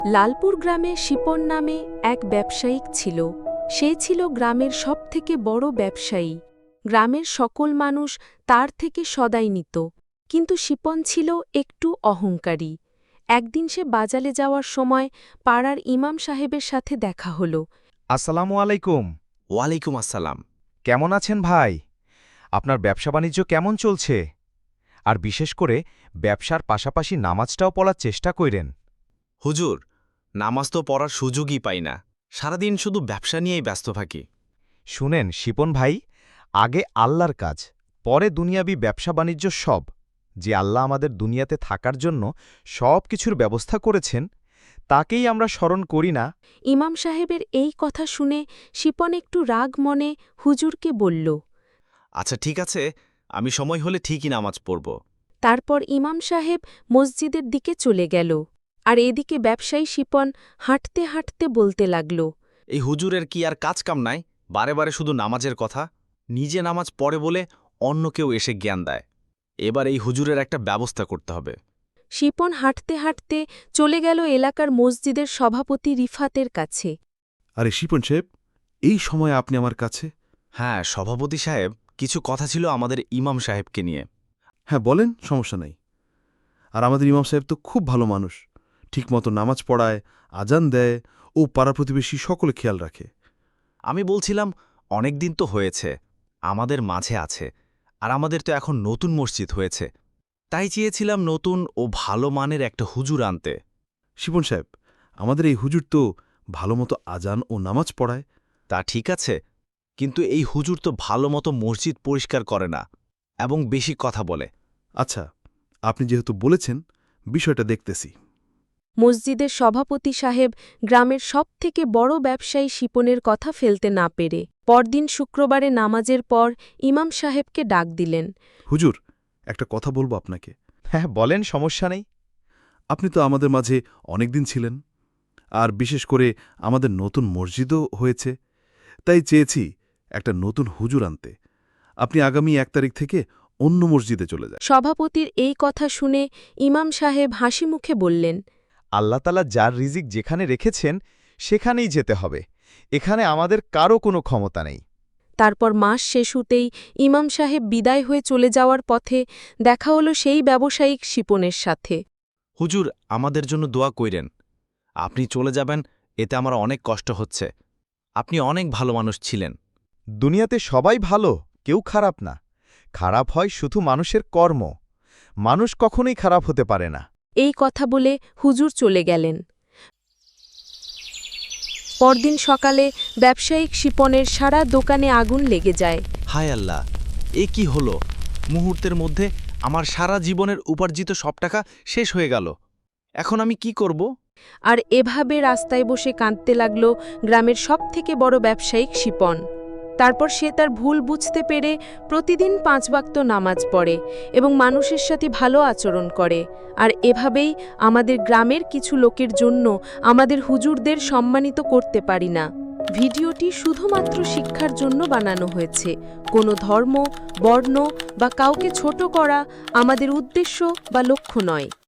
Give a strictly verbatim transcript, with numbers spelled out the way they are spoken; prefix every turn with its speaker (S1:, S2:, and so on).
S1: লালপুর গ্রামে শিপন নামে এক ব্যবসায়িক ছিল। সে ছিল গ্রামের সবথেকে বড় ব্যবসায়ী। গ্রামের সকল মানুষ তার থেকে সদাই নিত। কিন্তু শিপন ছিল একটু অহংকারী। একদিন সে বাজারে যাওয়ার সময় পাড়ার ইমাম সাহেবের সাথে দেখা হল।
S2: আসসালামু আলাইকুম।
S3: ওয়ালাইকুম আসসালাম।
S2: কেমন আছেন ভাই? আপনার ব্যবসা বাণিজ্য কেমন চলছে? আর বিশেষ করে ব্যবসার পাশাপাশি নামাজটাও পড়ার চেষ্টা কইরেন।
S3: হুজুর, নামাজ তো পড়ার সুযোগই পাই না। সারাদিন শুধু ব্যবসা নিয়েই ব্যস্ত থাকি।
S2: শুনেন শিপন ভাই, আগে আল্লাহর কাজ, পরে দুনিয়াবি ব্যবসা বাণিজ্য সব। যে আল্লাহ আমাদের দুনিয়াতে থাকার জন্য সব কিছুর ব্যবস্থা করেছেন, তাকেই আমরা স্মরণ করি না।
S1: ইমাম সাহেবের এই কথা শুনে শিপন একটু রাগ মনে হুজুরকে বলল।
S3: আচ্ছা ঠিক আছে, আমি সময় হলে ঠিকই নামাজ পড়ব।
S1: তারপর ইমাম সাহেব মসজিদের দিকে চলে গেল। আর এদিকে ব্যবসায়ী শিপন হাঁটতে হাঁটতে বলতে লাগল।
S3: এই হুজুরের কি আর কাজ কাম নাই? বারে বারে শুধু নামাজের কথা। নিজে নামাজ পড়ে বলে অন্য কেউ এসে জ্ঞান দেয়। এবার এই হুজুরের একটা ব্যবস্থা করতে হবে।
S1: শিপন হাঁটতে হাঁটতে চলে গেল এলাকার মসজিদের সভাপতি রিফাতের কাছে।
S4: আরে শিপন সাহেব, এই সময় আপনি আমার কাছে?
S3: হ্যাঁ সভাপতি সাহেব, কিছু কথা ছিল আমাদের ইমাম সাহেবকে নিয়ে।
S4: হ্যাঁ বলেন, সমস্যা নাই। আর আমাদের ইমাম সাহেব তো খুব ভালো মানুষ, ঠিকমতো নামাজ পড়ায়, আজান দেয় ও পাড়া প্রতিবেশী সকলে খেয়াল রাখে।
S3: আমি বলছিলাম, অনেক দিন তো হয়েছে, আমাদের মাঝে আছে। আর আমাদের তো এখন নতুন মসজিদ হয়েছে, তাই চেয়েছিলাম নতুন ও ভালো মানের একটা হুজুর আনতে।
S4: শিপন সাহেব, আমাদের এই হুজুর তো ভালোমতো আজান ও নামাজ পড়ায়।
S3: তা ঠিক আছে, কিন্তু এই হুজুর তো ভালো মতো মসজিদ পরিষ্কার করে না এবং বেশি কথা বলে।
S4: আচ্ছা, আপনি যেহেতু বলেছেন, বিষয়টা দেখতেছি।
S1: মসজিদের সভাপতি সাহেব গ্রামের সবথেকে বড় ব্যবসায়ী শিপনের কথা ফেলতে না পেরে পরদিন শুক্রবারে নামাজের পর ইমাম সাহেবকে ডাক দিলেন।
S4: হুজুর, একটা কথা বলবো আপনাকে।
S2: হ্যাঁ বলেন, সমস্যা নেই।
S4: আপনি তো আমাদের মাঝে অনেকদিন ছিলেন, আর বিশেষ করে আমাদের নতুন মসজিদও হয়েছে, তাই চেয়েছি একটা নতুন হুজুর আনতে। আপনি আগামী এক তারিখ থেকে অন্য মসজিদে চলে যান।
S1: সভাপতির এই কথা শুনে ইমাম সাহেব হাসি মুখে বললেন।
S2: আল্লাহ তাআলা যার রিজিক যেখানে রেখেছেন সেখানেই যেতে হবে। এখানে আমাদের কারও কোনো ক্ষমতা নেই।
S1: তারপর মাস শেষ হতেই ইমাম সাহেব বিদায় হয়ে চলে যাওয়ার পথে দেখা হলো সেই ব্যবসায়িক শিপনের সাথে।
S3: হুজুর, আমাদের জন্য দোয়া কইরেন। আপনি চলে যাবেন, এতে আমার অনেক কষ্ট হচ্ছে। আপনি অনেক ভালো মানুষ ছিলেন।
S2: দুনিয়াতে সবাই ভালো, কেউ খারাপ না। খারাপ হয় শুধু মানুষের কর্ম। মানুষ কখনোই খারাপ হতে পারে না।
S1: এই কথা বলে হুজুর চলে গেলেন। পরদিন সকালে ব্যবসায়িক শিপনের সারা দোকানে আগুন লেগে যায়।
S3: হায় আল্লাহ, এ কি হলো? মুহূর্তের মধ্যে আমার সারা জীবনের উপার্জিত সব টাকা শেষ হয়ে গেল। এখন আমি কি করব?
S1: আর এভাবে রাস্তায় বসে কাঁদতে লাগল গ্রামের সবথেকে বড় ব্যবসায়িক শিপন। তারপর সে তার ভুল বুঝতে পেরে প্রতিদিন পাঁচ ওয়াক্ত নামাজ পড়ে এবং মানুষের সাথে ভালো আচরণ করে। আর এভাবেই আমাদের গ্রামের কিছু লোকের জন্য আমাদের হুজুরদের সম্মানিত করতে পারি না। ভিডিওটি শুধুমাত্র শিক্ষার জন্য বানানো হয়েছে। কোনো ধর্ম, বর্ণ বা কাউকে ছোট করা আমাদের উদ্দেশ্য বা লক্ষ্য নয়।